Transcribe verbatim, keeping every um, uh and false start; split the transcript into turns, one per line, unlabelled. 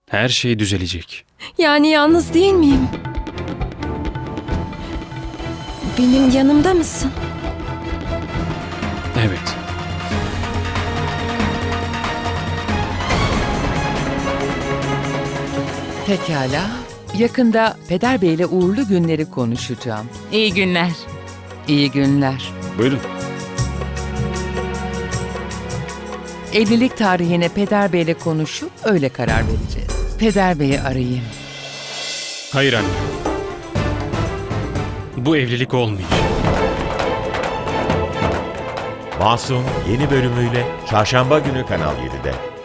Her şey düzelecek.
Yani yalnız değil miyim? Benim yanımda mısın?
Evet.
Pekala. Yakında Peder Bey ile uğurlu günleri konuşacağım.
İyi günler.
İyi günler.
Buyurun.
Evlilik tarihine Peder Bey ile konuşup öyle karar vereceğiz. Peder Bey'i arayayım.
Hayır anne. Bu evlilik olmayacak.
Masum yeni bölümüyle Çarşamba günü Kanal yedide.